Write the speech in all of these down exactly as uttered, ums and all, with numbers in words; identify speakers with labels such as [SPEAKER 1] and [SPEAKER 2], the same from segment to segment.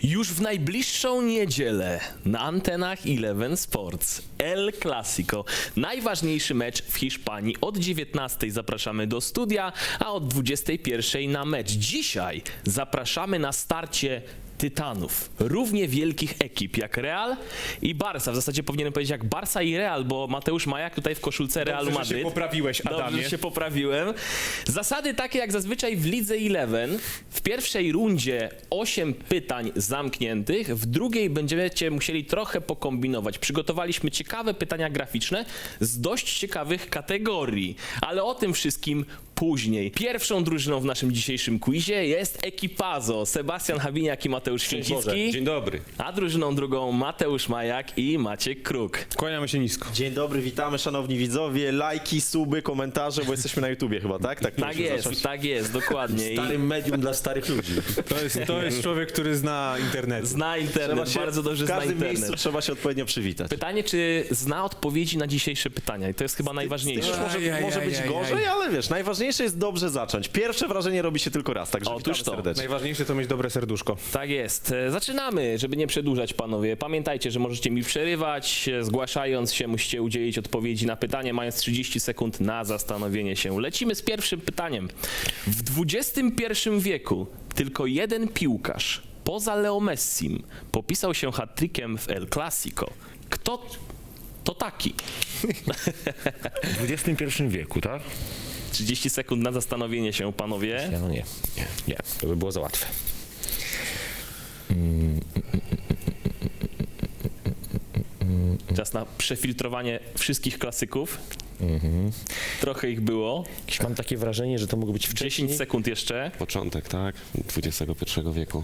[SPEAKER 1] Już w najbliższą niedzielę na antenach Eleven Sports El Clasico. Najważniejszy mecz w Hiszpanii. Od dziewiętnastej zapraszamy do studia, a od dwudziestej pierwszej na mecz. Dzisiaj zapraszamy na starcie tytanów, równie wielkich ekip jak Real i Barca. W zasadzie powinienem powiedzieć jak Barca i Real, bo Mateusz Majak tutaj w koszulce Realu
[SPEAKER 2] Dobrze,
[SPEAKER 1] Madryt.
[SPEAKER 2] że się poprawiłeś, Adamie.
[SPEAKER 1] Dobrze, że się poprawiłem. Zasady takie jak zazwyczaj w Lidze Eleven. W pierwszej rundzie osiem pytań zamkniętych, w drugiej będziecie musieli trochę pokombinować. Przygotowaliśmy ciekawe pytania graficzne z dość ciekawych kategorii, ale o tym wszystkim później. Pierwszą drużyną w naszym dzisiejszym quizie jest Equipazo. Sebastian Habiniak i Mateusz Święcicki.
[SPEAKER 2] Dzień dobry.
[SPEAKER 1] A drużyną drugą Mateusz Majak i Maciek Kruk.
[SPEAKER 2] Kłaniamy się nisko.
[SPEAKER 3] Dzień dobry, witamy szanowni widzowie, lajki, suby, komentarze, bo jesteśmy na YouTubie chyba, tak? Tak,
[SPEAKER 1] Tak jest, tak jest, dokładnie. I
[SPEAKER 3] Starym medium dla starych ludzi.
[SPEAKER 2] To jest, to jest człowiek, który zna internet.
[SPEAKER 1] zna internet, bardzo dobrze
[SPEAKER 3] w
[SPEAKER 1] zna
[SPEAKER 3] każdym
[SPEAKER 1] internet.
[SPEAKER 3] miejscu trzeba się odpowiednio przywitać.
[SPEAKER 1] Pytanie, czy zna odpowiedzi na dzisiejsze pytania? I to jest chyba najważniejsze.
[SPEAKER 3] Już może,
[SPEAKER 2] Ajajajajaj.
[SPEAKER 3] może być gorzej, ale wiesz, najważniejsze jest dobrze zacząć. Pierwsze wrażenie robi się tylko raz, także
[SPEAKER 1] Otóż
[SPEAKER 3] witamy
[SPEAKER 1] to.
[SPEAKER 3] serdecznie.
[SPEAKER 2] Najważniejsze to mieć dobre serduszko.
[SPEAKER 1] Tak jest. E, Zaczynamy, żeby nie przedłużać, panowie. Pamiętajcie, że możecie mi przerywać. E, Zgłaszając się, musicie udzielić odpowiedzi na pytanie, mając trzydzieści sekund na zastanowienie się. Lecimy z pierwszym pytaniem. W dwudziestym pierwszym wieku tylko jeden piłkarz poza Leo Messim popisał się hat-trickiem w El Clasico. Kto to taki?
[SPEAKER 4] W dwudziestym pierwszym wieku, tak?
[SPEAKER 1] trzydzieści sekund na zastanowienie się, panowie.
[SPEAKER 4] Nie, no nie, nie, nie, to by było za łatwe.
[SPEAKER 1] Czas na przefiltrowanie wszystkich klasyków. Trochę ich było.
[SPEAKER 4] Jakieś mam takie wrażenie, że to mogło być wcześniej.
[SPEAKER 1] dziesięć sekund jeszcze.
[SPEAKER 5] Początek, tak? dwudziestego pierwszego wieku.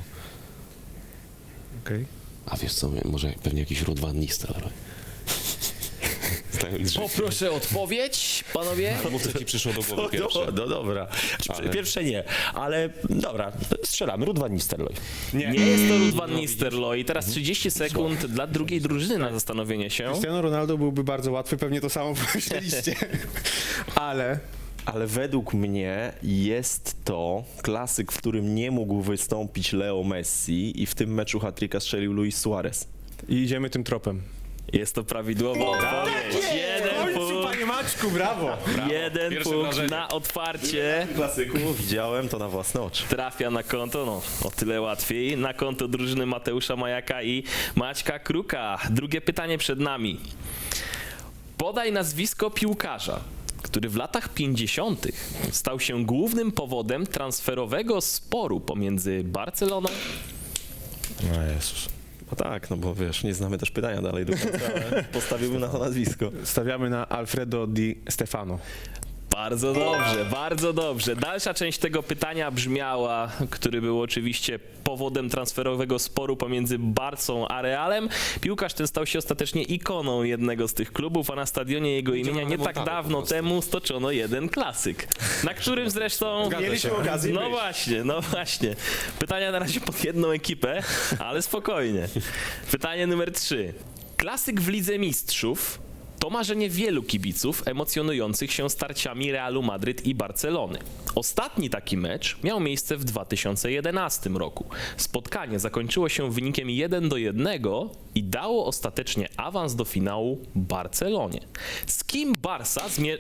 [SPEAKER 2] Okej.
[SPEAKER 5] A wiesz co, może pewnie jakiś Ruud van Nistelrooy. Znając życie.
[SPEAKER 1] Poproszę odpowiedź, panowie.
[SPEAKER 5] Albo co ci przyszło do głowy
[SPEAKER 4] No,
[SPEAKER 5] pierwsze?
[SPEAKER 4] no dobra,
[SPEAKER 5] Ale-
[SPEAKER 4] pierwsze nie, ale dobra, strzelamy, Ruud van Nistelrooy.
[SPEAKER 1] Nie jest to Ruud van Nistelrooy. I teraz trzydzieści sekund dla drugiej drużyny na zastanowienie się.
[SPEAKER 2] Cristiano Ronaldo byłby bardzo łatwy, pewnie to samo pomyśleliście. Ale
[SPEAKER 3] Ale według mnie jest to klasyk, w którym nie mógł wystąpić Leo Messi i w tym meczu hat-tricka strzelił Luis Suarez.
[SPEAKER 2] i idziemy tym tropem.
[SPEAKER 1] Jest to prawidłowa odpowiedź. Jeden punkt,
[SPEAKER 2] panie Maćku, brawo!
[SPEAKER 1] jeden
[SPEAKER 5] Pierwsze
[SPEAKER 1] punkt
[SPEAKER 5] wrażenie.
[SPEAKER 1] na otwarcie.
[SPEAKER 3] Klasyku widziałem to na własne oczy.
[SPEAKER 1] Trafia na konto, no o tyle łatwiej, na konto drużyny Mateusza Majaka i Maćka Kruka. Drugie pytanie przed nami. Podaj nazwisko piłkarza, który w latach pięćdziesiątych stał się głównym powodem transferowego sporu pomiędzy Barceloną.
[SPEAKER 4] No Jezus.
[SPEAKER 3] No tak, no bo wiesz, nie znamy też pytania dalej do końca, ale postawiłbym na to nazwisko.
[SPEAKER 2] Stawiamy na Alfredo Di Stefano.
[SPEAKER 1] Bardzo dobrze, bardzo dobrze. Dalsza część tego pytania brzmiała, który był oczywiście powodem transferowego sporu pomiędzy Barcą a Realem. Piłkarz ten stał się ostatecznie ikoną jednego z tych klubów, a na stadionie jego imienia nie tak dawno temu stoczono jeden klasyk, na którym zresztą...
[SPEAKER 3] Mieliśmy okazję
[SPEAKER 1] No
[SPEAKER 3] być.
[SPEAKER 1] właśnie, no właśnie. Pytania na razie pod jedną ekipę, ale spokojnie. Pytanie numer trzy. Klasyk w Lidze Mistrzów to marzenie wielu kibiców emocjonujących się starciami Realu Madryt i Barcelony. Ostatni taki mecz miał miejsce w dwa tysiące jedenastym roku. Spotkanie zakończyło się wynikiem jeden do jednego i dało ostatecznie awans do finału Barcelonie. Z kim Barca zmier...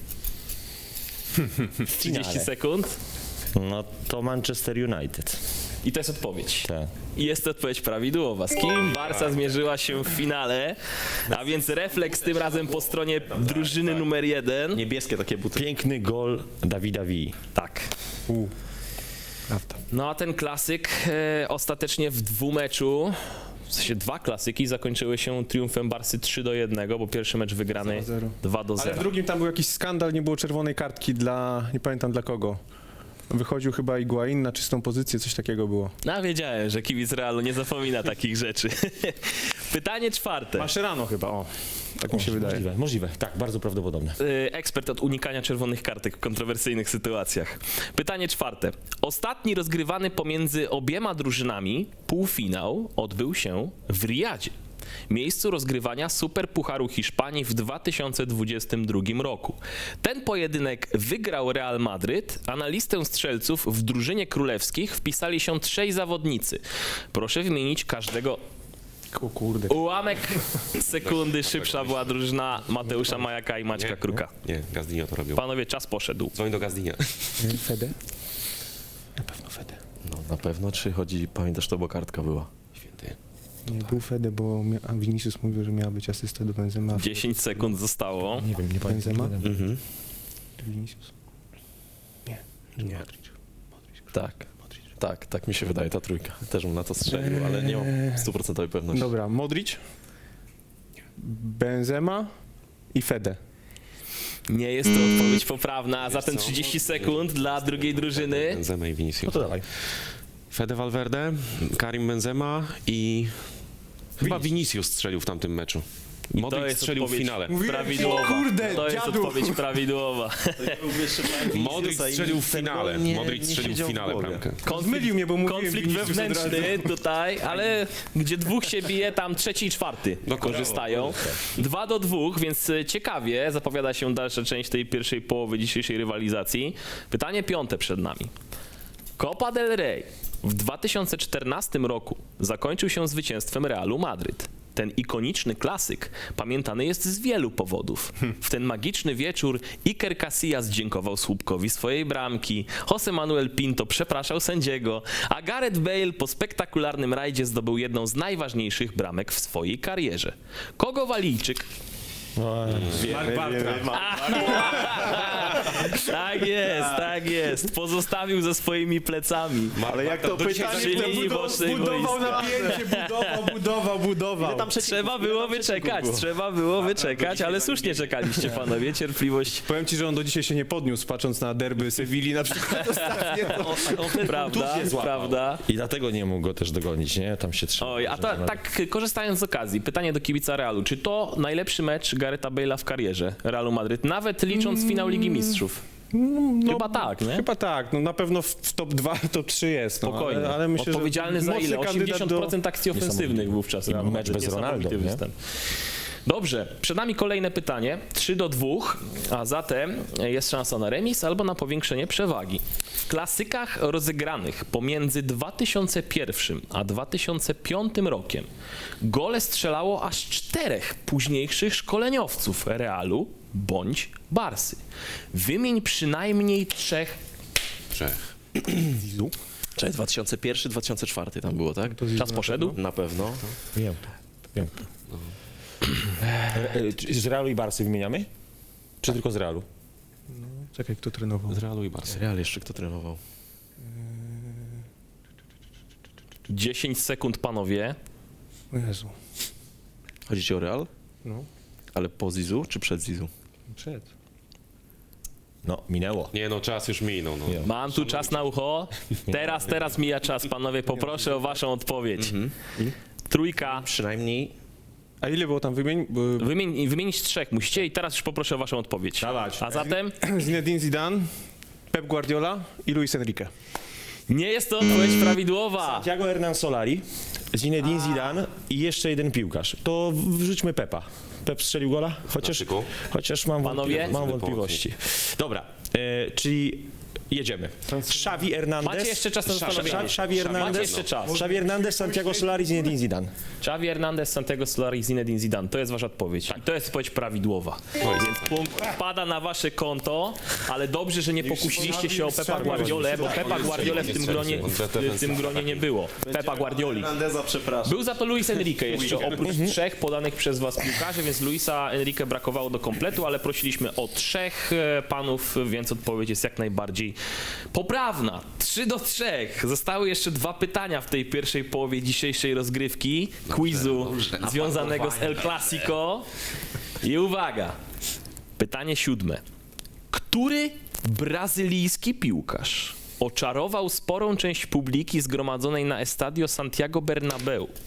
[SPEAKER 1] trzydzieści sekund.
[SPEAKER 4] No to Manchester United.
[SPEAKER 1] I to jest odpowiedź.
[SPEAKER 4] Tak.
[SPEAKER 1] I jest to odpowiedź prawidłowa. Z kim Barca zmierzyła się w finale? A więc refleks tym razem po stronie drużyny numer jeden.
[SPEAKER 3] Niebieskie takie buty.
[SPEAKER 4] Piękny gol Davida Villa.
[SPEAKER 1] Tak.
[SPEAKER 2] U. Prawda.
[SPEAKER 1] No a ten klasyk e, ostatecznie w dwumeczu, w sensie dwa klasyki zakończyły się triumfem Barsy trzy do jednego, bo pierwszy mecz wygrany
[SPEAKER 2] zero.
[SPEAKER 1] dwa do
[SPEAKER 2] Ale w
[SPEAKER 1] zera.
[SPEAKER 2] drugim tam był jakiś skandal, nie było czerwonej kartki dla, nie pamiętam dla kogo. Wychodził chyba Higuain na czystą pozycję, coś takiego było.
[SPEAKER 1] No wiedziałem, że kibic Realu nie zapomina takich rzeczy. Pytanie czwarte.
[SPEAKER 2] Mascherano chyba, o. Tak mi się wydaje.
[SPEAKER 4] Możliwe, możliwe, tak, bardzo prawdopodobne.
[SPEAKER 1] Y, ekspert od unikania czerwonych kartek w kontrowersyjnych sytuacjach. Pytanie czwarte. Ostatni rozgrywany pomiędzy obiema drużynami półfinał odbył się w Riyadzie. miejscu rozgrywania Superpucharu Hiszpanii w dwa tysiące dwudziestym drugim roku. Ten pojedynek wygrał Real Madryt, a na listę strzelców w drużynie królewskich wpisali się trzej zawodnicy. Proszę wymienić każdego.
[SPEAKER 2] O kurde.
[SPEAKER 1] Ułamek sekundy szybsza była drużyna Mateusza Majaka i Maćka
[SPEAKER 5] Nie.
[SPEAKER 1] Kruka.
[SPEAKER 5] Nie, Gazdinio to robił.
[SPEAKER 1] Panowie, czas poszedł.
[SPEAKER 5] Dzwoń do Gazdinia.
[SPEAKER 2] Fede? Na pewno Fede.
[SPEAKER 3] No na pewno, czy chodzi, pamiętasz to, bo kartka była.
[SPEAKER 5] Święty.
[SPEAKER 2] Nie był Fede, bo mia- a Vinicius mówił, że miała być asysta do Benzema.
[SPEAKER 1] dziesięć sekund zostało.
[SPEAKER 4] Nie wiem, nie pamiętam.
[SPEAKER 2] Benzema?
[SPEAKER 3] Mhm.
[SPEAKER 2] Vinicius? Nie.
[SPEAKER 3] Nie. Tak. Tak, tak mi się wydaje, ta trójka. Też bym na to strzelił, ale nie mam stuprocentowej pewności.
[SPEAKER 2] Dobra, Modric, Benzema i Fede.
[SPEAKER 1] Nie jest to odpowiedź poprawna, a zatem
[SPEAKER 5] co?
[SPEAKER 1] trzydzieści sekund dla drugiej drużyny.
[SPEAKER 5] Benzema i
[SPEAKER 4] No
[SPEAKER 5] Vinicius.
[SPEAKER 4] to dawaj.
[SPEAKER 5] Fede Valverde, Karim Benzema i chyba Vinicius strzelił w tamtym meczu.
[SPEAKER 1] To
[SPEAKER 5] Modric
[SPEAKER 1] jest
[SPEAKER 5] strzelił w
[SPEAKER 1] odpowiedź
[SPEAKER 5] finale.
[SPEAKER 1] prawidłowa.
[SPEAKER 2] Kurde,
[SPEAKER 1] To jest
[SPEAKER 2] dziadu.
[SPEAKER 1] odpowiedź prawidłowa.
[SPEAKER 5] Modric strzelił w finale.
[SPEAKER 3] nie-
[SPEAKER 5] Modric
[SPEAKER 3] nie
[SPEAKER 5] strzelił w
[SPEAKER 3] siedział w
[SPEAKER 5] finale
[SPEAKER 3] głowie.
[SPEAKER 5] bramkę.
[SPEAKER 2] Zmylił mnie, bo mówiłem
[SPEAKER 1] Konflikt
[SPEAKER 2] Vinicius od
[SPEAKER 1] wewnętrzny tutaj, ale gdzie dwóch się bije, tam trzeci i czwarty
[SPEAKER 5] Dokładnie.
[SPEAKER 1] korzystają. Dwa do dwóch, więc ciekawie zapowiada się dalsza część tej pierwszej połowy dzisiejszej rywalizacji. Pytanie piąte przed nami. Copa del Rey w dwa tysiące czternastym roku zakończył się zwycięstwem Realu Madryt. Ten ikoniczny klasyk pamiętany jest z wielu powodów. W ten magiczny wieczór Iker Casillas dziękował słupkowi swojej bramki, José Manuel Pinto przepraszał sędziego, a Gareth Bale po spektakularnym rajdzie zdobył jedną z najważniejszych bramek w swojej karierze. Kogo Walijczyk?
[SPEAKER 2] Mark Bartra.
[SPEAKER 1] Tak jest, tak jest. Pozostawił ze swoimi plecami.
[SPEAKER 3] Ale jak to pytanie,
[SPEAKER 1] Przy linii bocznej
[SPEAKER 2] Budował
[SPEAKER 1] boiska.
[SPEAKER 2] napięcie, budował, budował, budował.
[SPEAKER 1] Trzeba było wyczekać, trzeba było wyczekać, ale słusznie czekaliście panowie, cierpliwość.
[SPEAKER 2] Powiem ci, że on do dzisiaj się nie podniósł, patrząc na derby Sewilli na przykład ostatnie. To...
[SPEAKER 1] Prawda, prawda.
[SPEAKER 4] I dlatego nie mógł go też dogonić, nie? Tam się trzymał.
[SPEAKER 1] Oj, a ta, tak korzystając z okazji, pytanie do kibica Realu. Czy to najlepszy mecz Garetha Bale'a w karierze Realu Madryt, nawet licząc finał Ligi Mistrzów?
[SPEAKER 2] No,
[SPEAKER 1] Chyba tak, nie?
[SPEAKER 2] Chyba tak, no na pewno w, w top dwa, top trzy jest. No,
[SPEAKER 1] Spokojnie.
[SPEAKER 2] ale, ale myślę,
[SPEAKER 1] Odpowiedzialny
[SPEAKER 2] że
[SPEAKER 1] za
[SPEAKER 2] mocny
[SPEAKER 1] ile?
[SPEAKER 2] kandydat
[SPEAKER 1] osiemdziesiąt procent akcji ofensywnych wówczas. Realu
[SPEAKER 4] mecz
[SPEAKER 1] Madryt.
[SPEAKER 4] bez
[SPEAKER 1] Niesamowity
[SPEAKER 4] Ronaldo, nie?
[SPEAKER 1] występ. Dobrze, przed nami kolejne pytanie. trzy do dwóch, a zatem jest szansa na remis albo na powiększenie przewagi. W klasykach rozegranych pomiędzy dwa tysiące pierwszym a dwa tysiące piątym rokiem gole strzelało aż czterech późniejszych szkoleniowców Realu bądź Barsy. Wymień przynajmniej trzech.
[SPEAKER 5] Trzech.
[SPEAKER 2] Zizu.
[SPEAKER 3] Cześć, dwa tysiące pierwszy, dwa tysiące czwarty tam było, tak?
[SPEAKER 1] Czas poszedł?
[SPEAKER 3] Na pewno.
[SPEAKER 4] Wiem, wiem. E, e, czy Z Realu i Barsy wymieniamy? Czy tylko z Realu?
[SPEAKER 2] Czekaj, kto trenował?
[SPEAKER 5] Z Realu i Barcy.
[SPEAKER 3] Real jeszcze kto trenował?
[SPEAKER 1] dziesięć sekund, panowie.
[SPEAKER 2] O Jezu.
[SPEAKER 3] Chodzi ci o Real?
[SPEAKER 2] No,
[SPEAKER 3] Ale po Zizu czy przed Zizu?
[SPEAKER 2] przed.
[SPEAKER 4] No, minęło.
[SPEAKER 5] Nie no, czas już minął. No.
[SPEAKER 1] Mam tu czas na ucho. Teraz, teraz mija czas, panowie. Poproszę o waszą odpowiedź. Trójka.
[SPEAKER 3] Przynajmniej
[SPEAKER 2] A ile było tam wymień? Bo-
[SPEAKER 1] Wymień, wymienić trzech musicie i teraz już poproszę o waszą odpowiedź.
[SPEAKER 2] Dawać.
[SPEAKER 1] A zatem
[SPEAKER 2] Zinedine Zidane, Pep Guardiola i Luis Enrique.
[SPEAKER 1] nie jest to odpowiedź prawidłowa.
[SPEAKER 4] Santiago Hernan Solari, Zinedine Zidane i jeszcze jeden piłkarz. To wrzućmy Pepa. Pep strzelił gola? Chociaż,
[SPEAKER 5] Klasyku.
[SPEAKER 4] chociaż mam,
[SPEAKER 1] Panowie?
[SPEAKER 4] wątpli- mam
[SPEAKER 5] Zły
[SPEAKER 4] wątpliwości. Dobra, e, czyli jedziemy. Xavi Hernandez.
[SPEAKER 1] Macie jeszcze czas na zastanowienie.
[SPEAKER 4] Xavi Xavi Hernandez.
[SPEAKER 1] Macie jeszcze czas.
[SPEAKER 4] Xavi Hernandez, Santiago Solari, Zinedine Zidane.
[SPEAKER 1] Xavi Hernandez, Santiago Solari, Zinedine Zidane. To jest wasza odpowiedź. I to jest odpowiedź prawidłowa. Więc punkt wpada na wasze konto, ale dobrze, że nie pokusiliście się o Pepa Guardiolę, bo Pepa Guardiolę w tym gronie, w tym gronie nie było. Pepa Guardioli.
[SPEAKER 3] Hernandeza, przepraszam.
[SPEAKER 1] Był za to Luis Enrique jeszcze, oprócz trzech podanych przez was piłkarzy, więc Luisa Enrique brakowało do kompletu, ale prosiliśmy o trzech e, panów, więc odpowiedź jest jak najbardziej poprawna. trzy do trzech. Zostały jeszcze dwa pytania w tej pierwszej połowie dzisiejszej rozgrywki, quizu
[SPEAKER 5] dobrze.
[SPEAKER 1] związanego z El Clasico. I uwaga, pytanie siódme. Który brazylijski piłkarz oczarował sporą część publiki zgromadzonej na Estadio Santiago Bernabeu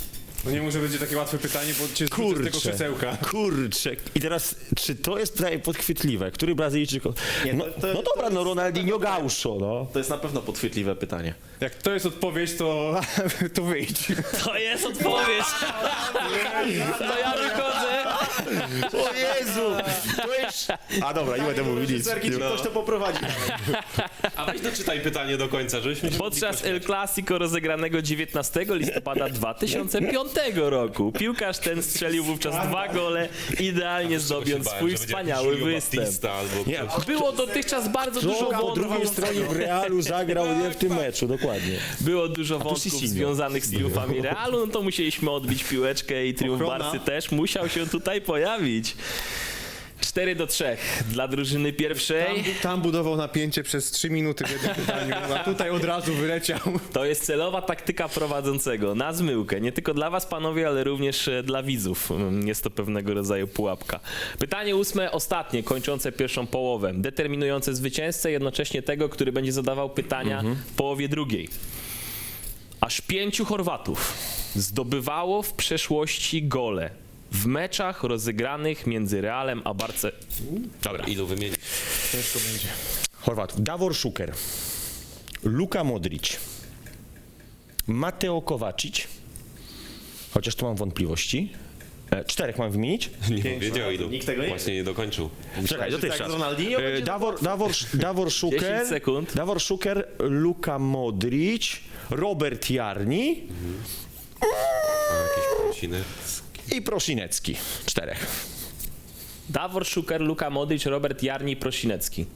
[SPEAKER 2] No nie może będzie takie łatwe pytanie, bo cię zrzucę z tego
[SPEAKER 4] Kurczę,
[SPEAKER 2] krzesełka.
[SPEAKER 4] kurczę. I teraz, czy to jest pytanie podchwytliwe? Który Brazylijczyk... No,
[SPEAKER 3] to- to-
[SPEAKER 4] no dobra, no Ronaldinho Gaucho, no.
[SPEAKER 3] To jest na pewno podchwytliwe pytanie.
[SPEAKER 2] Jak to jest odpowiedź, to, to wyjdź.
[SPEAKER 1] To jest odpowiedź. To ja wychodzę.
[SPEAKER 4] O Jezu! To jest... A dobra, nie będę mówił nic.
[SPEAKER 3] Ktoś to poprowadzi.
[SPEAKER 5] A weź doczytaj pytanie do końca, żebyśmy się
[SPEAKER 1] Podczas El Clasico rozegranego dziewiętnastego listopada dwa tysiące piątego roku piłkarz ten strzelił wówczas dwa gole, idealnie zdobiąc swój wspaniały występ.
[SPEAKER 4] Nie,
[SPEAKER 1] Było dotychczas bardzo dużo
[SPEAKER 4] kto po drugiej
[SPEAKER 1] wątków,
[SPEAKER 4] stronie w Realu zagrał nie w tym meczu, dokładnie.
[SPEAKER 1] było dużo wątków
[SPEAKER 4] Sisinho.
[SPEAKER 1] związanych z triumfami Realu, no to musieliśmy odbić piłeczkę i triumf
[SPEAKER 2] Ochrona.
[SPEAKER 1] Barcy też musiał się tutaj pojawić. cztery do trzech dla drużyny pierwszej.
[SPEAKER 2] Tam, tam budował napięcie przez trzy minuty w jednym pytaniu, a tutaj od razu wyleciał.
[SPEAKER 1] To jest celowa taktyka prowadzącego na zmyłkę. Nie tylko dla was, panowie, ale również e, dla widzów. Mm, Jest to pewnego rodzaju pułapka. Pytanie ósme, ostatnie, kończące pierwszą połowę. Determinujące zwycięzcę, jednocześnie tego, który będzie zadawał pytania w połowie drugiej. Aż pięciu Chorwatów zdobywało w przeszłości gole w meczach rozegranych między Realem a Barce...
[SPEAKER 5] Dobra, ilu wymienić?
[SPEAKER 4] Chorwatów. Davor Šuker, Luka Modrić, Mateo Kovacic, chociaż tu mam wątpliwości. E, czterech mam wymienić?
[SPEAKER 5] Nie powiedział ilu.
[SPEAKER 3] Nikt tego nie
[SPEAKER 5] Właśnie nie dokończył.
[SPEAKER 4] Czekaj,
[SPEAKER 3] że
[SPEAKER 4] dotychczas.
[SPEAKER 3] tak z Ronaldinho
[SPEAKER 4] E,
[SPEAKER 3] będzie
[SPEAKER 4] Davor, Davor, Davor
[SPEAKER 1] dziesięć
[SPEAKER 4] Šuker,
[SPEAKER 1] sekund.
[SPEAKER 4] Davor Šuker, Luka Modrić, Robert Jarni
[SPEAKER 5] A jakieś prosiny?
[SPEAKER 4] i Prosinecki. Czterech.
[SPEAKER 1] Davor Šuker, Luka Modrić, Robert Jarni, Prosinecki.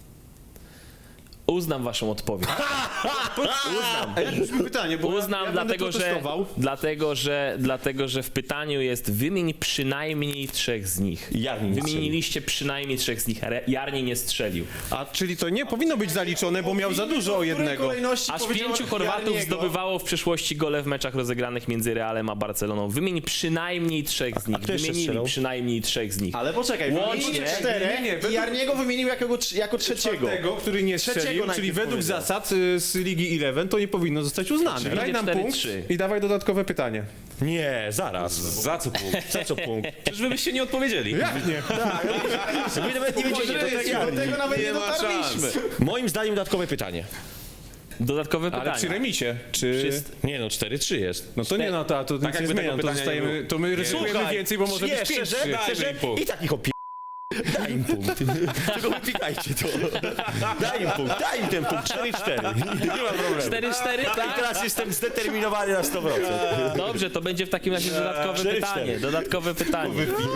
[SPEAKER 1] Uznam waszą odpowiedź.
[SPEAKER 2] A jak brzmi pytanie, bo
[SPEAKER 1] Uznam,
[SPEAKER 2] ja, ja
[SPEAKER 1] dlatego,
[SPEAKER 2] będę to
[SPEAKER 1] że,
[SPEAKER 2] testował.
[SPEAKER 1] dlatego, że, dlatego, że w pytaniu jest wymień przynajmniej trzech z nich.
[SPEAKER 4] Jarni nie
[SPEAKER 1] Wymieniliście przynajmniej trzech z nich. Re- Jarni nie strzelił.
[SPEAKER 2] A czyli to nie powinno być zaliczone, bo miał za dużo o jednego.
[SPEAKER 1] Aż pięciu Chorwatów zdobywało w przeszłości gole w meczach rozegranych między Realem a Barceloną. Wymień przynajmniej trzech z nich.
[SPEAKER 4] kto jeszcze
[SPEAKER 1] Wymienili
[SPEAKER 4] strzelał?
[SPEAKER 1] przynajmniej trzech z nich.
[SPEAKER 3] Ale poczekaj,
[SPEAKER 1] Łącznie-
[SPEAKER 3] wymienił czterech
[SPEAKER 2] Nie, nie, nie,
[SPEAKER 3] i Jarniego wymienił jako, jako trzeciego.
[SPEAKER 2] Tego, który nie
[SPEAKER 3] Trzeciego
[SPEAKER 2] strzelił, czyli
[SPEAKER 3] najpierw
[SPEAKER 2] według
[SPEAKER 3] powiedział.
[SPEAKER 2] zasad y, z Ligi jedenaście to nie powinno zostać uznane.
[SPEAKER 1] Czyli
[SPEAKER 2] Daj nam
[SPEAKER 1] cztery
[SPEAKER 2] punkt
[SPEAKER 1] trzy.
[SPEAKER 2] i dawaj dodatkowe pytanie.
[SPEAKER 4] Nie, zaraz.
[SPEAKER 5] Za co punkt?
[SPEAKER 4] Za co punkt?
[SPEAKER 5] Przecież wy byście nie odpowiedzieli.
[SPEAKER 2] Jak nie?
[SPEAKER 4] My nawet nie wiedzieli, to jest
[SPEAKER 3] Do
[SPEAKER 4] Jarni.
[SPEAKER 3] tego nawet nie
[SPEAKER 5] Nie ma
[SPEAKER 3] dotarliśmy.
[SPEAKER 4] Moim zdaniem dodatkowe pytanie.
[SPEAKER 1] Dodatkowe
[SPEAKER 2] Ale
[SPEAKER 1] pytanie.
[SPEAKER 2] przy remisie, czy...
[SPEAKER 1] Wszyscy-
[SPEAKER 4] Nie no, cztery trzy jest.
[SPEAKER 2] No to nie, no to, to nic nie
[SPEAKER 5] jakby
[SPEAKER 2] zmienia,
[SPEAKER 5] tego
[SPEAKER 2] to,
[SPEAKER 5] pytania
[SPEAKER 2] zostajemy,
[SPEAKER 5] nie
[SPEAKER 2] to my ryzykujemy
[SPEAKER 4] Słuchaj,
[SPEAKER 2] więcej, bo może
[SPEAKER 4] nie,
[SPEAKER 2] być pięć
[SPEAKER 4] szczerze,
[SPEAKER 2] trzy.
[SPEAKER 4] szczerze,
[SPEAKER 5] im punkt.
[SPEAKER 4] i tak ich opie... Daj im punkt. Tylko wypikajcie to. Daj im punkt, daj im ten punkt. cztery cztery. Nie ma problemu.
[SPEAKER 1] cztery cztery,
[SPEAKER 4] I
[SPEAKER 1] tak?
[SPEAKER 4] teraz jestem zdeterminowany na sto procent.
[SPEAKER 1] Dobrze, to będzie w takim razie dodatkowe
[SPEAKER 4] cztery,
[SPEAKER 1] pytanie.
[SPEAKER 4] cztery.
[SPEAKER 1] Dodatkowe pytanie.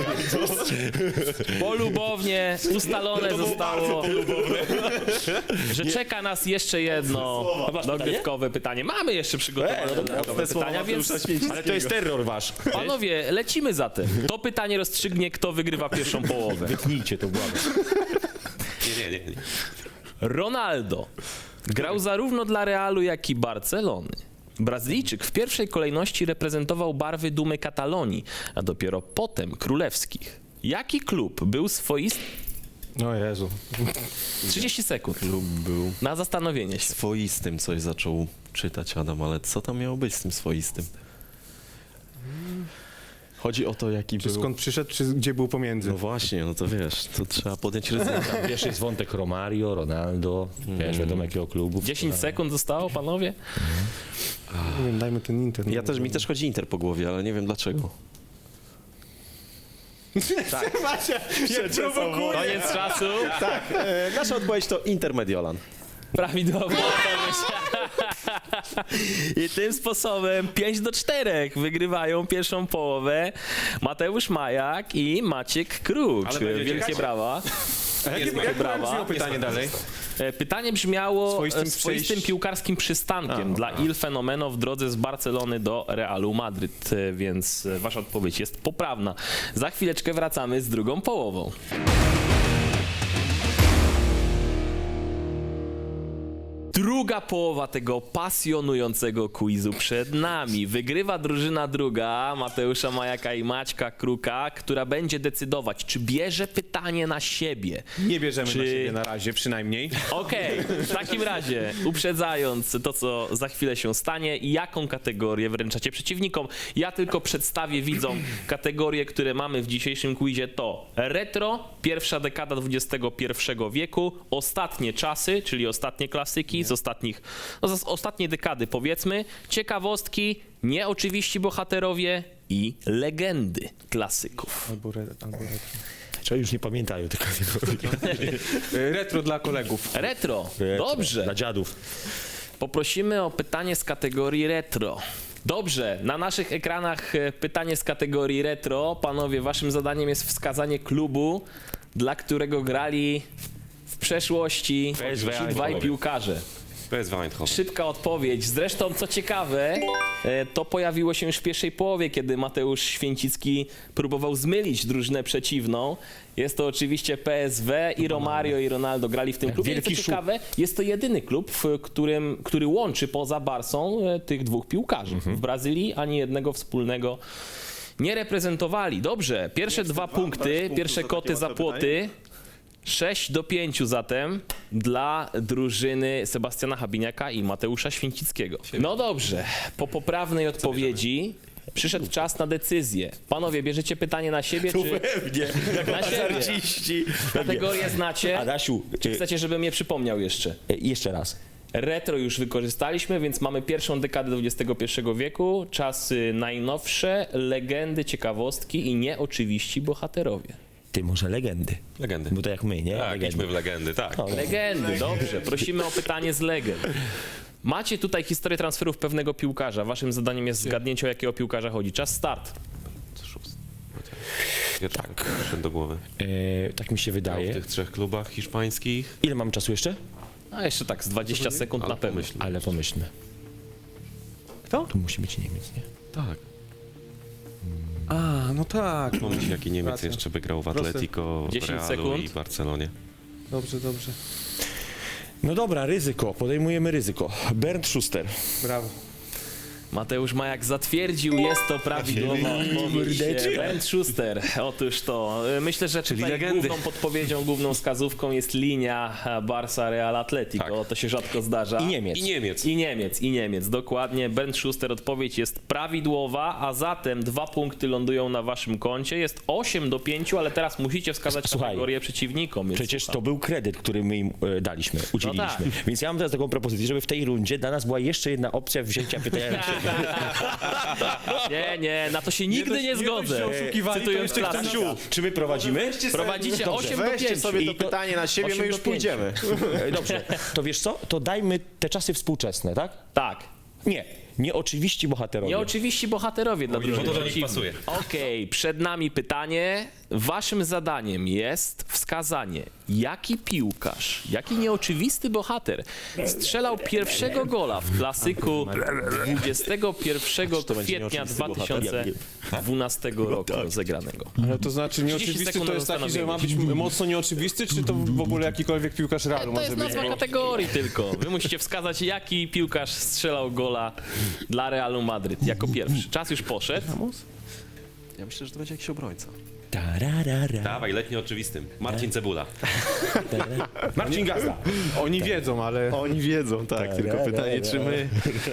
[SPEAKER 1] Polubownie ustalone zostało, że czeka nas jeszcze jedno dogrywkowe pytanie. Mamy jeszcze przygotowane dodatkowe pytania, więc
[SPEAKER 4] Ale to jest terror wasz.
[SPEAKER 1] panowie, lecimy zatem. To pytanie rozstrzygnie, kto wygrywa pierwszą połowę.
[SPEAKER 4] Wytnijcie to, błagam.
[SPEAKER 5] Nie, nie, nie. nie.
[SPEAKER 1] Ronaldo grał zarówno dla Realu, jak i Barcelony. Brazylijczyk w pierwszej kolejności reprezentował barwy Dumy Katalonii, a dopiero potem królewskich. Jaki klub był swoisty...
[SPEAKER 2] No Jezu.
[SPEAKER 1] trzydzieści sekund
[SPEAKER 3] Klub był
[SPEAKER 1] na zastanowienie się.
[SPEAKER 3] swoistym, coś zaczął czytać Adam, ale co tam miało być z tym swoistym? Chodzi o to, jaki
[SPEAKER 2] Czy
[SPEAKER 3] był...
[SPEAKER 2] skąd przyszedł, czy gdzie był pomiędzy?
[SPEAKER 3] No właśnie, no to wiesz, to trzeba podjąć ryzyko.
[SPEAKER 4] Wiesz, jest wątek Romario, Ronaldo, wiesz, wiadomo jakiego klubu.
[SPEAKER 1] dziesięć sekund zostało, panowie?
[SPEAKER 2] Nie wiem, dajmy ten Inter.
[SPEAKER 3] Ja też, mi też chodzi Inter po głowie, ale nie wiem dlaczego.
[SPEAKER 1] Koniec czasu.
[SPEAKER 3] Tak, e, nasza odpowiedź to Inter Mediolan.
[SPEAKER 1] Prawidłowa odpowiedź. I tym sposobem pięć do czterech wygrywają pierwszą połowę Mateusz Majak i Maciek Kruk.
[SPEAKER 5] Ale będzie
[SPEAKER 1] Wielkie
[SPEAKER 5] ciekawie.
[SPEAKER 1] brawa.
[SPEAKER 2] Jak, jak,
[SPEAKER 1] Wielkie
[SPEAKER 2] jak
[SPEAKER 1] brawa.
[SPEAKER 2] brzmiało pytanie dalej?
[SPEAKER 1] E, Pytanie brzmiało
[SPEAKER 2] Swoistym
[SPEAKER 1] swoistym, swoistym
[SPEAKER 2] przejść-
[SPEAKER 1] piłkarskim przystankiem dla Il Fenomeno w drodze z Barcelony do Realu Madryt, e, więc e, wasza odpowiedź jest poprawna. Za chwileczkę wracamy z drugą połową. Druga połowa tego pasjonującego quizu przed nami. Wygrywa drużyna druga Mateusza Majaka i Maćka Kruka, która będzie decydować, czy bierze pytanie na siebie.
[SPEAKER 2] Nie bierzemy
[SPEAKER 1] Czy-
[SPEAKER 2] na siebie na razie, przynajmniej.
[SPEAKER 1] Okej, w takim razie, uprzedzając to, co za chwilę się stanie, jaką kategorię wręczacie przeciwnikom? Ja tylko przedstawię widzom kategorie, które mamy w dzisiejszym quizie. To retro, pierwsza dekada dwudziestego pierwszego wieku, ostatnie czasy, czyli ostatnie klasyki z ostatnich, no z ostatniej dekady powiedzmy, ciekawostki, nieoczywiści bohaterowie i legendy klasyków.
[SPEAKER 2] Albo, re, albo retro.
[SPEAKER 4] Czy już nie pamiętają tego.
[SPEAKER 2] E, Retro dla kolegów.
[SPEAKER 1] Retro,
[SPEAKER 4] Retro.
[SPEAKER 1] dobrze.
[SPEAKER 4] Dla dziadów.
[SPEAKER 1] Poprosimy o pytanie z kategorii retro. Dobrze, na naszych ekranach e, pytanie z kategorii retro. Panowie, waszym zadaniem jest wskazanie klubu, dla którego grali w przeszłości
[SPEAKER 4] P S V
[SPEAKER 1] ci dwaj
[SPEAKER 4] Eindhoven.
[SPEAKER 1] piłkarze.
[SPEAKER 5] P S V Eindhoven.
[SPEAKER 1] Szybka odpowiedź. Zresztą, co ciekawe, e, to pojawiło się już w pierwszej połowie, kiedy Mateusz Święcicki próbował zmylić drużynę przeciwną. Jest to oczywiście P S V i Romario i Ronaldo grali w tym klubie. I co
[SPEAKER 4] Wielki szum.
[SPEAKER 1] ciekawe, jest to jedyny klub, w którym, który łączy poza Barsą e, tych dwóch piłkarzy. W Brazylii ani jednego wspólnego nie reprezentowali. Dobrze, pierwsze dwa punkty, pierwsze koty za płoty. sześć do pięciu zatem dla drużyny Sebastiana Habiniaka i Mateusza Święcickiego. No dobrze, po poprawnej odpowiedzi przyszedł czas na decyzję. Panowie, bierzecie pytanie na siebie, czy
[SPEAKER 4] Pewnie, jako
[SPEAKER 1] na siebie?
[SPEAKER 4] arciści.
[SPEAKER 1] Kategorię znacie?
[SPEAKER 4] Adasiu,
[SPEAKER 1] Czy
[SPEAKER 4] e,
[SPEAKER 1] chcecie, żebym je przypomniał jeszcze?
[SPEAKER 4] e, jeszcze raz.
[SPEAKER 1] Retro już wykorzystaliśmy, więc mamy pierwszą dekadę dwudziestego pierwszego wieku, czasy najnowsze, legendy, ciekawostki i nieoczywiści bohaterowie.
[SPEAKER 4] Ty może legendy.
[SPEAKER 5] Legendy.
[SPEAKER 4] Bo to jak my, nie?
[SPEAKER 5] Tak,
[SPEAKER 4] legendy.
[SPEAKER 5] idźmy w legendy, tak.
[SPEAKER 4] No,
[SPEAKER 1] Legendy, dobrze. Prosimy o pytanie z legend. Macie tutaj historię transferów pewnego piłkarza. Waszym zadaniem jest zgadnięcie, o jakiego piłkarza chodzi. Czas start.
[SPEAKER 5] Pierwszy tak. do głowy.
[SPEAKER 4] e, tak mi się
[SPEAKER 5] Grał w
[SPEAKER 4] wydaje.
[SPEAKER 5] tych trzech klubach hiszpańskich.
[SPEAKER 4] Ile mamy czasu jeszcze?
[SPEAKER 1] A jeszcze tak, z dwadzieścia sekund
[SPEAKER 5] Ale
[SPEAKER 1] na pewno.
[SPEAKER 5] pomyśl.
[SPEAKER 4] Ale pomyślmy.
[SPEAKER 2] Kto?
[SPEAKER 4] To musi być Niemiec, nie?
[SPEAKER 5] Tak.
[SPEAKER 2] A, no tak.
[SPEAKER 5] Pomyśl, jaki Niemiec
[SPEAKER 2] Racja.
[SPEAKER 5] jeszcze by grał w
[SPEAKER 2] Proste.
[SPEAKER 5] Atletico, w
[SPEAKER 1] dziesięć
[SPEAKER 5] Realu
[SPEAKER 1] sekund.
[SPEAKER 5] i Barcelonie.
[SPEAKER 2] Dobrze, dobrze.
[SPEAKER 4] No dobra, ryzyko. Podejmujemy ryzyko. Bernd Schuster.
[SPEAKER 2] Brawo.
[SPEAKER 1] Mateusz Majak zatwierdził, jest to prawidłowa odpowiedź.
[SPEAKER 4] Mordeczy.
[SPEAKER 1] Bernd Schuster, otóż to. Myślę, że tutaj
[SPEAKER 5] legendy.
[SPEAKER 1] główną podpowiedzią, główną wskazówką jest linia Barca Real Atletico.
[SPEAKER 5] Tak.
[SPEAKER 1] To się rzadko zdarza.
[SPEAKER 4] I Niemiec.
[SPEAKER 5] I Niemiec.
[SPEAKER 1] I Niemiec, i Niemiec, dokładnie. Bernd Schuster, odpowiedź jest prawidłowa, a zatem dwa punkty lądują na waszym koncie. Jest osiem do pięciu, ale teraz musicie wskazać
[SPEAKER 4] Słuchaj,
[SPEAKER 1] kategorię przeciwnikom. Więc
[SPEAKER 4] Przecież
[SPEAKER 1] słucham.
[SPEAKER 4] to był kredyt, który my im e, daliśmy, udzieliliśmy.
[SPEAKER 1] tak.
[SPEAKER 4] Więc ja mam teraz taką propozycję, żeby w tej rundzie dla nas była jeszcze jedna opcja wzięcia pytania na siebie.
[SPEAKER 1] Nie, nie, na to się nigdy nie,
[SPEAKER 2] dość- nie dość,
[SPEAKER 1] zgodzę.
[SPEAKER 2] że oszukiwali, to
[SPEAKER 1] Cytując
[SPEAKER 2] jeszcze
[SPEAKER 1] klasyka.
[SPEAKER 4] Czy my prowadzimy?
[SPEAKER 1] Prowadzicie
[SPEAKER 4] Dobrze,
[SPEAKER 1] osiem do
[SPEAKER 6] Weźcie
[SPEAKER 1] pięciu.
[SPEAKER 6] sobie to
[SPEAKER 4] I to-
[SPEAKER 6] pytanie na siebie,
[SPEAKER 1] osiem
[SPEAKER 6] my już
[SPEAKER 1] do pięciu.
[SPEAKER 6] pójdziemy.
[SPEAKER 4] E, Dobrze, to wiesz co? To dajmy te czasy współczesne, tak?
[SPEAKER 1] Tak.
[SPEAKER 4] Nie, nieoczywiści bohaterowie.
[SPEAKER 1] Nieoczywiści bohaterowie dla drużyny
[SPEAKER 5] to do nich
[SPEAKER 1] przeciwnej.
[SPEAKER 5] pasuje.
[SPEAKER 1] Okej, przed nami pytanie. Waszym zadaniem jest wskazanie, jaki piłkarz, jaki nieoczywisty bohater strzelał pierwszego gola w klasyku dwudziestego pierwszego kwietnia dwa tysiące dwunastego roku rozegranego.
[SPEAKER 2] Ale to znaczy nieoczywisty
[SPEAKER 1] sekund
[SPEAKER 2] to
[SPEAKER 1] na
[SPEAKER 2] jest taki, że ma
[SPEAKER 1] zastanowienie.
[SPEAKER 2] być mocno nieoczywisty, czy to w ogóle jakikolwiek piłkarz Realu
[SPEAKER 1] To
[SPEAKER 2] może
[SPEAKER 1] jest
[SPEAKER 2] być?
[SPEAKER 1] nazwa kategorii tylko. Wy musicie wskazać, jaki piłkarz strzelał gola dla Realu Madryt jako pierwszy. Czas już poszedł.
[SPEAKER 6] Ja myślę, że to będzie jakiś obrońca.
[SPEAKER 4] Tararara,
[SPEAKER 5] Dawaj, letni oczywistym. Marcin Cebula.
[SPEAKER 4] tarara. Marcin Gazda.
[SPEAKER 2] Oni wiedzą, ale...
[SPEAKER 6] Oni wiedzą, tak, tylko pytanie, czy my...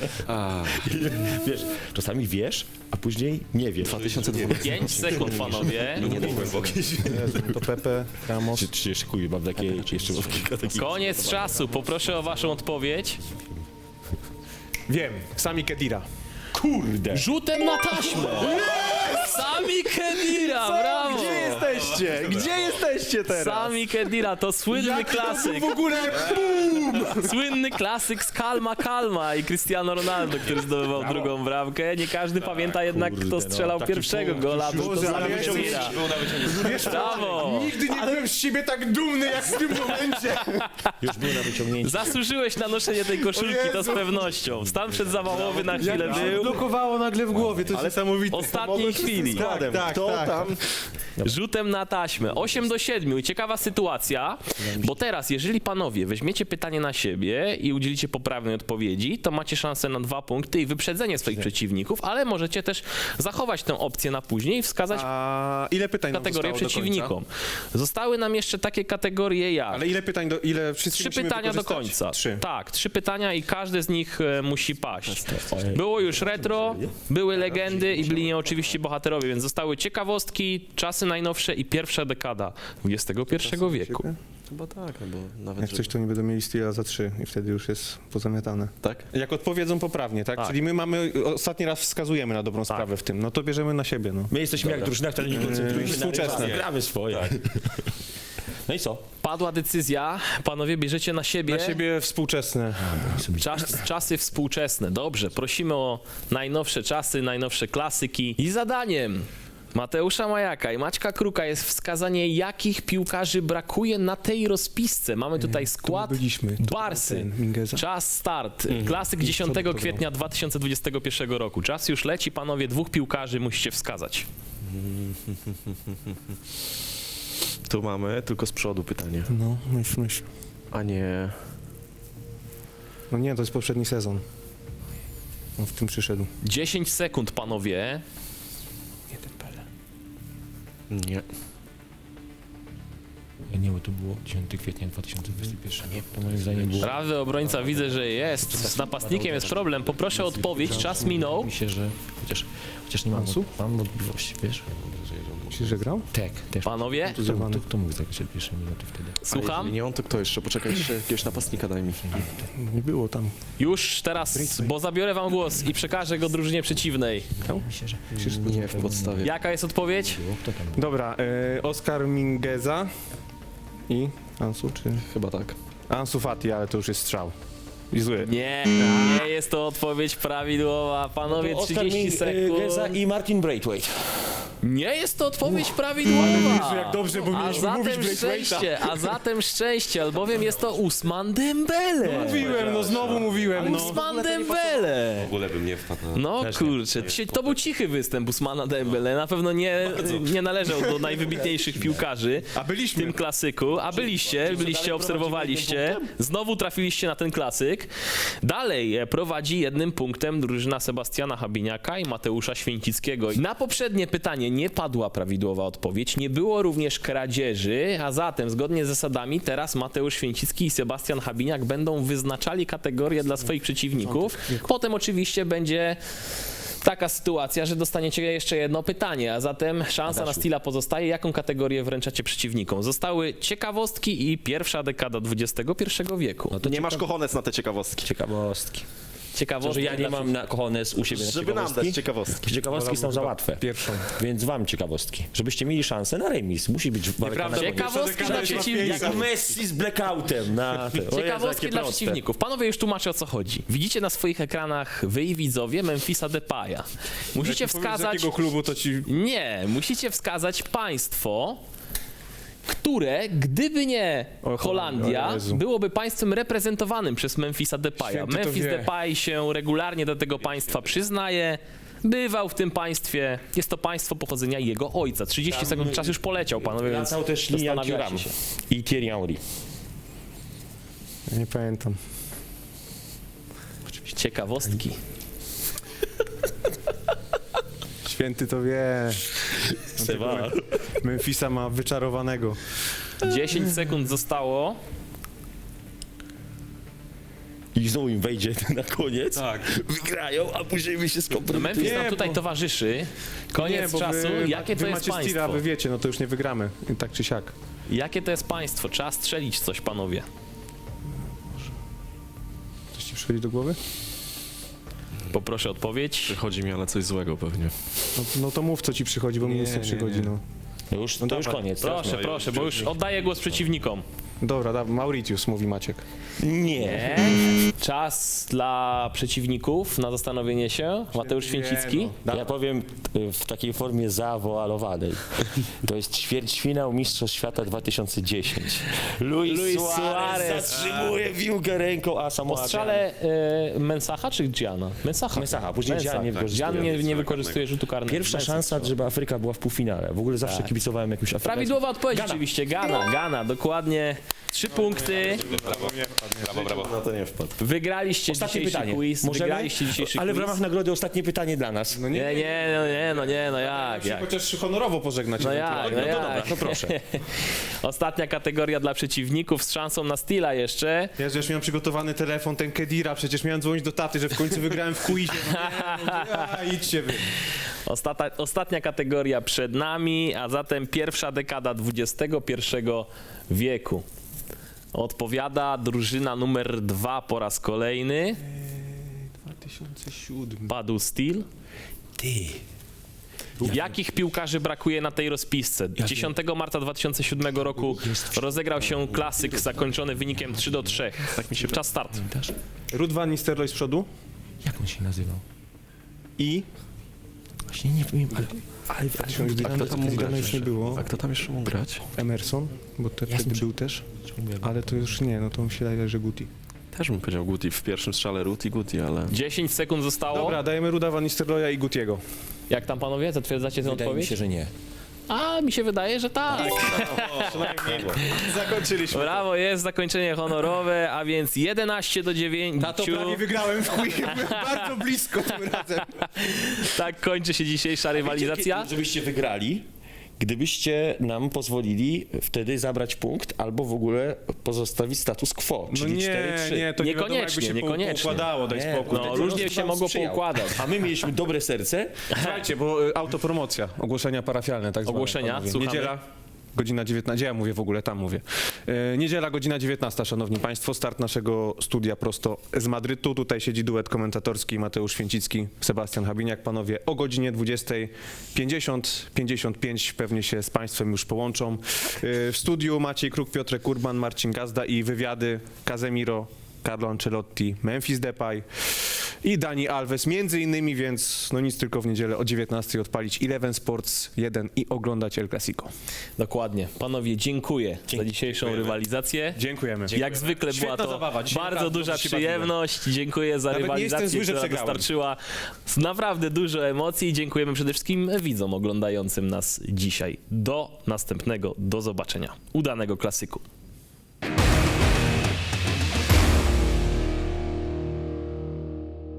[SPEAKER 4] Wiesz, czasami wiesz, a później nie wiesz.
[SPEAKER 6] dwa tysiące dwunasty.
[SPEAKER 1] pięć sekund, panowie.
[SPEAKER 5] Nie dał głębokie.
[SPEAKER 2] To Pepe, Ramos...
[SPEAKER 4] Czy, czy się szykuję, mam takie jeszcze kilka takich.
[SPEAKER 1] Koniec czasu. Poproszę o waszą odpowiedź.
[SPEAKER 2] Wiem, Sami Khedira.
[SPEAKER 4] Kurde!
[SPEAKER 1] Rzutem na taśmę! Sami Khedira, brawo!
[SPEAKER 6] Gdzie jesteście? Gdzie jesteście teraz?
[SPEAKER 1] Sami Khedira to słynny klasyk.
[SPEAKER 2] W ogóle...
[SPEAKER 1] Słynny klasyk z Kalma Kalma i Cristiano Ronaldo, który zdobywał drugą bramkę. Nie każdy pamięta jednak,
[SPEAKER 4] kurde,
[SPEAKER 1] kto
[SPEAKER 4] no,
[SPEAKER 1] strzelał
[SPEAKER 4] taki
[SPEAKER 1] pierwszego
[SPEAKER 4] punkt.
[SPEAKER 1] gola. Był to
[SPEAKER 2] Boże, ale
[SPEAKER 1] Sami
[SPEAKER 2] ja jestem-
[SPEAKER 1] Khedira.
[SPEAKER 2] Wiesz co?
[SPEAKER 1] Brawo!
[SPEAKER 2] Nigdy nie byłem z siebie tak dumny, jak w tym momencie.
[SPEAKER 4] Już było na wyciągnięcie.
[SPEAKER 1] Zasłużyłeś na noszenie tej koszulki, to z pewnością. Stan przedzawałowy na chwilę był.
[SPEAKER 2] Blokowało nagle w głowie, to jest niesamowite.
[SPEAKER 1] W ostatniej chwili. Anatolii.
[SPEAKER 3] składem.
[SPEAKER 2] Tak, tak,
[SPEAKER 3] Kto
[SPEAKER 2] tak.
[SPEAKER 3] tam?
[SPEAKER 1] Rzutem na taśmę. osiem do siedmiu. I ciekawa sytuacja, bo teraz, jeżeli panowie weźmiecie pytanie na siebie i udzielicie poprawnej odpowiedzi, to macie szansę na dwa punkty i wyprzedzenie swoich przeciwników, ale możecie też zachować tę opcję na później i wskazać
[SPEAKER 2] A ile pytań nam
[SPEAKER 1] kategorię
[SPEAKER 2] zostało do końca?
[SPEAKER 1] przeciwnikom. Zostały nam jeszcze takie kategorie jak
[SPEAKER 2] Ale ile pytań, do, ile wszyscy
[SPEAKER 1] trzy
[SPEAKER 2] musimy
[SPEAKER 1] pytania do
[SPEAKER 2] wykorzystać?
[SPEAKER 1] końca.
[SPEAKER 2] Trzy.
[SPEAKER 1] Tak, trzy pytania i każde z nich e, musi paść. Było już retro, były legendy i byli oczywiście bohaterowie, więc zostały ciekawostki, czasy najnowsze i pierwsza dekada dwudziestego pierwszego wieku.
[SPEAKER 6] Chyba tak, no bo nawet...
[SPEAKER 2] Jak coś, to nie będą mieli styla za trzy i wtedy już jest pozamiatane.
[SPEAKER 6] Tak?
[SPEAKER 2] Jak odpowiedzą poprawnie, tak?
[SPEAKER 1] Tak.
[SPEAKER 2] Czyli my mamy, ostatni raz wskazujemy na dobrą sprawę w tym, no to bierzemy na siebie, no.
[SPEAKER 4] My jesteśmy jak drużyna, która nie koncentruje się na
[SPEAKER 2] Współczesne.
[SPEAKER 4] rywali. Gramy swoje. No i co?
[SPEAKER 1] Padła decyzja, panowie bierzecie na siebie,
[SPEAKER 2] Na siebie współczesne.
[SPEAKER 1] czas, czasy współczesne. Dobrze, prosimy o najnowsze czasy, najnowsze klasyki i zadaniem Mateusza Majaka i Maćka Kruka jest wskazanie, jakich piłkarzy brakuje na tej rozpisce. Mamy tutaj skład
[SPEAKER 2] byliśmy. To
[SPEAKER 1] Barsy.
[SPEAKER 2] ten Mingeza.
[SPEAKER 1] Czas start. Klasyk dziesiątego kwietnia dwa tysiące dwudziestego pierwszego roku. Czas już leci, panowie, dwóch piłkarzy musicie wskazać.
[SPEAKER 3] Tu mamy tylko z przodu pytanie.
[SPEAKER 2] No, myśl, myśl.
[SPEAKER 3] A nie...
[SPEAKER 2] No nie, to jest poprzedni sezon. On w tym przyszedł.
[SPEAKER 1] dziesięć sekund, panowie.
[SPEAKER 3] Nie.
[SPEAKER 4] Nie, bo to było dziesiątego kwietnia dwa tysiące dwudziestego pierwszego. Nie, to moim zdaniem było...
[SPEAKER 1] Prawy obrońca widzę, że jest. Z napastnikiem jest problem. Poproszę o odpowiedź. Czas minął.
[SPEAKER 4] Myślę, że chociaż, chociaż nie mam,
[SPEAKER 2] Ansu?
[SPEAKER 4] mam wątpliwości, wiesz?
[SPEAKER 2] Myślisz, że grał?
[SPEAKER 4] Tak, też.
[SPEAKER 1] Panowie,
[SPEAKER 4] Kto, kto, kto mógł zagrać od pierwszej minuty wtedy?
[SPEAKER 1] słucham.
[SPEAKER 6] Nie on, to kto jeszcze? Poczekaj, jeszcze jakiegoś napastnika daj mi.
[SPEAKER 2] Nie było tam.
[SPEAKER 1] Już teraz, bo zabiorę wam głos i przekażę go drużynie przeciwnej.
[SPEAKER 4] Myślę, że...
[SPEAKER 6] Nie, w podstawie.
[SPEAKER 1] Jaka jest odpowiedź?
[SPEAKER 4] Było. Kto tam był?
[SPEAKER 2] Dobra, e, Oskar Mingeza i Ansu, czy...
[SPEAKER 6] Chyba tak.
[SPEAKER 2] Ansu Fati, ale to już jest strzał. I zły.
[SPEAKER 1] Nie, nie jest to odpowiedź prawidłowa. Panowie,
[SPEAKER 4] Oskar
[SPEAKER 1] trzydzieści
[SPEAKER 4] Geza
[SPEAKER 1] sekund.
[SPEAKER 4] i Martin Braithwaite.
[SPEAKER 1] Nie jest to odpowiedź prawidłowa.
[SPEAKER 2] jak dobrze, bo
[SPEAKER 1] A
[SPEAKER 2] mieliśmy mówić
[SPEAKER 1] zatem
[SPEAKER 2] Braithwaite'a.
[SPEAKER 1] szczęście, a zatem szczęście, albowiem jest to Usman Dembele.
[SPEAKER 2] Mówiłem, no znowu mówiłem, no.
[SPEAKER 1] Usman Dembele.
[SPEAKER 5] W ogóle bym nie wpadł na...
[SPEAKER 1] No kurczę, dzisiaj to był cichy występ Usmana Dembele. Na pewno nie, nie należał do najwybitniejszych piłkarzy
[SPEAKER 2] A
[SPEAKER 1] w
[SPEAKER 2] byliśmy.
[SPEAKER 1] tym klasyku. A byliście, byliście, obserwowaliście. Znowu trafiliście na ten klasyk. Dalej e, prowadzi jednym punktem drużyna Sebastiana Habiniaka i Mateusza Święcickiego. Na poprzednie pytanie nie padła prawidłowa odpowiedź. Nie było również kradzieży, a zatem zgodnie z zasadami teraz Mateusz Święcicki i Sebastian Habiniak będą wyznaczali kategorie dla swoich przeciwników. Potem oczywiście będzie taka sytuacja, że dostaniecie jeszcze jedno pytanie, a zatem szansa na Stila pozostaje. Jaką kategorię wręczacie przeciwnikom? Zostały ciekawostki i pierwsza dekada dwudziestego pierwszego wieku.
[SPEAKER 3] Nie masz kochones na te ciekawostki.
[SPEAKER 4] Ciekawostki. To,
[SPEAKER 1] Ciekawostki
[SPEAKER 4] że ja nie
[SPEAKER 1] dla
[SPEAKER 4] mam na kochones u siebie na
[SPEAKER 3] Żeby nam
[SPEAKER 4] ciekawostki.
[SPEAKER 3] dać ciekawostki.
[SPEAKER 4] Ciekawostki są za łatwe.
[SPEAKER 2] Pierwszą.
[SPEAKER 4] Więc wam ciekawostki. Żebyście mieli szansę na remis. Musi być walka
[SPEAKER 2] Nieprawda,
[SPEAKER 4] na
[SPEAKER 1] Ciekawostki dla przeciwników.
[SPEAKER 4] Jak Messi z blackoutem na...
[SPEAKER 1] Ciekawostki dla przeciwników. Panowie, już tłumaczę, o co chodzi. Widzicie na swoich ekranach, wy i widzowie, Memphisa Depaya. Musicie
[SPEAKER 2] Jak powiesz, z
[SPEAKER 1] wskazać...
[SPEAKER 2] jakiego klubu, to ci...
[SPEAKER 1] Nie, musicie wskazać państwo, które, gdyby nie
[SPEAKER 2] O,
[SPEAKER 1] Holandia,
[SPEAKER 2] o Jezu.
[SPEAKER 1] byłoby państwem reprezentowanym przez Memphisa Depaya.
[SPEAKER 2] Święty to
[SPEAKER 1] Memphis
[SPEAKER 2] wie.
[SPEAKER 1] Depay się regularnie do tego państwa przyznaje. Bywał w tym państwie. Jest to państwo pochodzenia jego ojca. trzydzieści sekund, czas już poleciał, panowie, więc
[SPEAKER 4] Wracał też Lian
[SPEAKER 1] zastanawiajcie
[SPEAKER 4] Thuram
[SPEAKER 1] się.
[SPEAKER 4] i Thierry Henry.
[SPEAKER 2] Ja nie pamiętam.
[SPEAKER 1] Ciekawostki.
[SPEAKER 2] Święty to wie.
[SPEAKER 4] Seba.
[SPEAKER 2] Memphisa ma wyczarowanego.
[SPEAKER 1] dziesięć sekund zostało.
[SPEAKER 4] I znowu im wejdzie na koniec.
[SPEAKER 5] Tak.
[SPEAKER 4] Wygrają, a później my się skompromitujemy.
[SPEAKER 1] Memphis nam
[SPEAKER 2] Nie,
[SPEAKER 1] tutaj
[SPEAKER 2] bo-
[SPEAKER 1] towarzyszy. Koniec
[SPEAKER 2] Nie, bo
[SPEAKER 1] czasu.
[SPEAKER 2] wy,
[SPEAKER 1] Jakie to
[SPEAKER 2] wy
[SPEAKER 1] jest
[SPEAKER 2] macie Stila,
[SPEAKER 1] państwo?
[SPEAKER 2] wy wiecie, no to już nie wygramy. Tak czy siak.
[SPEAKER 1] Jakie to jest państwo? Trzeba strzelić coś, panowie.
[SPEAKER 2] Coś ci przychodzi do głowy?
[SPEAKER 1] Poproszę o odpowiedź.
[SPEAKER 6] Przychodzi mi ale coś złego pewnie.
[SPEAKER 2] No, no to mów, co ci przychodzi, bo mi
[SPEAKER 6] Nie,
[SPEAKER 2] nic nie
[SPEAKER 6] nie,
[SPEAKER 2] przychodzi,
[SPEAKER 6] nie.
[SPEAKER 2] no.
[SPEAKER 4] Już, to już
[SPEAKER 2] dawaj.
[SPEAKER 4] koniec.
[SPEAKER 1] Proszę, proszę, bo już oddaję głos przeciwnikom.
[SPEAKER 2] Dobra, da, Mauritius, mówi Maciek.
[SPEAKER 4] Nie.
[SPEAKER 1] Czas dla przeciwników na zastanowienie się. Mateusz Święcicki.
[SPEAKER 4] Ja powiem y, w takiej formie zawoalowanej. To jest ćwierćfinał Mistrzostw Świata dwa tysiące dziesięć. Luis,
[SPEAKER 1] Luis
[SPEAKER 4] Suarez,
[SPEAKER 1] Suarez.
[SPEAKER 4] zatrzymuje piłkę ręką, a samo
[SPEAKER 1] Po strzale e, Mensacha czy Giana? Mensacha.
[SPEAKER 4] Mensacha, później Gian nie wykorzystuje.
[SPEAKER 1] Gian nie, nie wykorzystuje rzutu karnego.
[SPEAKER 4] Pierwsza
[SPEAKER 1] Mensah
[SPEAKER 4] szansa,
[SPEAKER 1] strzela.
[SPEAKER 4] żeby Afryka była w półfinale. W ogóle zawsze
[SPEAKER 1] Tak.
[SPEAKER 4] kibicowałem jakimś Afrykańskim.
[SPEAKER 1] Prawidłowa odpowiedź
[SPEAKER 4] Gana.
[SPEAKER 1] oczywiście. Gana, Gana, dokładnie. Trzy punkty.
[SPEAKER 5] Brawo, brawo.
[SPEAKER 3] Na to nie wpadł.
[SPEAKER 1] Wygraliście
[SPEAKER 4] Ostatnie
[SPEAKER 1] dzisiejszy
[SPEAKER 4] pytanie.
[SPEAKER 1] quiz.
[SPEAKER 4] Możemy?
[SPEAKER 1] Wygraliście dzisiejszy
[SPEAKER 4] Ale w
[SPEAKER 1] quiz.
[SPEAKER 4] ramach nagrody ostatnie pytanie dla nas.
[SPEAKER 2] No
[SPEAKER 1] Nie, nie, no nie, no nie, no jak, jak.
[SPEAKER 2] Chociaż honorowo pożegnać.
[SPEAKER 1] No jak, no
[SPEAKER 4] No
[SPEAKER 1] jak.
[SPEAKER 4] dobra, to proszę.
[SPEAKER 1] Ostatnia kategoria dla przeciwników z szansą na Steela jeszcze.
[SPEAKER 2] Ja już miałem przygotowany telefon, ten Kedira, przecież miałem dzwonić do taty, że w końcu wygrałem w quizie. No nie, no, a, idźcie wy.
[SPEAKER 1] Ostata, ostatnia kategoria przed nami, a zatem pierwsza dekada dwudziestego pierwszego wieku. Odpowiada drużyna numer dwa po raz kolejny.
[SPEAKER 2] dwa tysiące siódmy.
[SPEAKER 1] Padł Steel.
[SPEAKER 4] Ty.
[SPEAKER 1] Jakich piłkarzy brakuje na tej rozpisce? dziesiątego marca dwa tysiące siódmego roku rozegrał się klasyk zakończony wynikiem trzy do trzech. Tak mi się Czas start.
[SPEAKER 2] Ruud van Nistelrooy z przodu
[SPEAKER 4] Jak on się nazywał?
[SPEAKER 2] i...
[SPEAKER 4] Właśnie nie wiem, ale... ale, ale,
[SPEAKER 2] Gdy
[SPEAKER 6] A kto tam mógł
[SPEAKER 2] Zidana
[SPEAKER 6] grać?
[SPEAKER 2] już nie było.
[SPEAKER 6] A kto tam jeszcze mógł grać?
[SPEAKER 2] Emerson, bo te wtedy był też. Ale to już nie, no to mi się daje, że Guti.
[SPEAKER 6] Też bym powiedział Guti. W pierwszym strzale Ruud i Guti, ale...
[SPEAKER 1] dziesięć sekund zostało.
[SPEAKER 2] Dobra, dajemy Ruda van Nistelrooya i Gutiego.
[SPEAKER 1] Jak tam panowie? Zatwierdzacie tę
[SPEAKER 4] wydaje mi
[SPEAKER 1] odpowiedź?
[SPEAKER 4] się, że nie.
[SPEAKER 1] A, mi się wydaje, że tak.
[SPEAKER 2] Zakończyliśmy.
[SPEAKER 1] Brawo, jest zakończenie honorowe, a więc jedenaście do dziewięciu.
[SPEAKER 2] Na to prawie wygrałem w quizie, byłem bardzo blisko tym razem.
[SPEAKER 1] Tak kończy się dzisiejsza rywalizacja.
[SPEAKER 4] Wiecie, żebyście wygrali, gdybyście nam pozwolili wtedy zabrać punkt, albo w ogóle pozostawić status quo,
[SPEAKER 2] No
[SPEAKER 4] czyli
[SPEAKER 2] nie,
[SPEAKER 4] cztery trzy.
[SPEAKER 2] nie, to nie wiadomo, jakby
[SPEAKER 1] Niekoniecznie,
[SPEAKER 2] się
[SPEAKER 1] niekoniecznie.
[SPEAKER 2] poukładało, daj
[SPEAKER 4] Nie,
[SPEAKER 2] spokój.
[SPEAKER 1] No,
[SPEAKER 4] Ten
[SPEAKER 1] różnie
[SPEAKER 4] los
[SPEAKER 1] się
[SPEAKER 4] wam
[SPEAKER 1] mogło
[SPEAKER 4] sprzyjał.
[SPEAKER 1] poukładać.
[SPEAKER 4] A my mieliśmy dobre serce.
[SPEAKER 2] Słuchajcie, bo y, autopromocja, ogłoszenia parafialne, tak zwane.
[SPEAKER 1] Ogłoszenia,
[SPEAKER 2] panowie.
[SPEAKER 1] słuchamy.
[SPEAKER 2] Niedziela, godzina dziewiętnasta, gdzie ja mówię w ogóle, tam mówię. E, niedziela, godzina dziewiętnasta, szanowni państwo, start naszego studia prosto z Madrytu. Tutaj siedzi duet komentatorski Mateusz Święcicki, Sebastian Habiniak. Panowie o godzinie dwudziestej pięćdziesiąt, pięćdziesiąt pięć pewnie się z państwem już połączą. E, w studiu Maciej Kruk, Piotrek Urban, Marcin Gazda i wywiady Casemiro, Carlo Ancelotti, Memphis Depay i Dani Alves między innymi, więc no nic, tylko w niedzielę o dziewiętnastej odpalić Eleven Sports jeden i oglądać El Clasico.
[SPEAKER 1] Dokładnie. Panowie, dziękuję za dzisiejszą rywalizację.
[SPEAKER 2] Dziękujemy.
[SPEAKER 1] Jak zwykle była to
[SPEAKER 2] zabawa. Dzisiaj
[SPEAKER 1] bardzo
[SPEAKER 2] naprawdę
[SPEAKER 1] duża
[SPEAKER 2] dobrze się
[SPEAKER 1] przyjemność. Dziękuję za
[SPEAKER 2] Nawet nie jestem
[SPEAKER 1] rywalizację,
[SPEAKER 2] zły, że
[SPEAKER 1] która
[SPEAKER 2] przegrałem.
[SPEAKER 1] dostarczyła naprawdę dużo emocji i dziękujemy przede wszystkim widzom oglądającym nas dzisiaj. Do następnego, do zobaczenia. Udanego klasyku.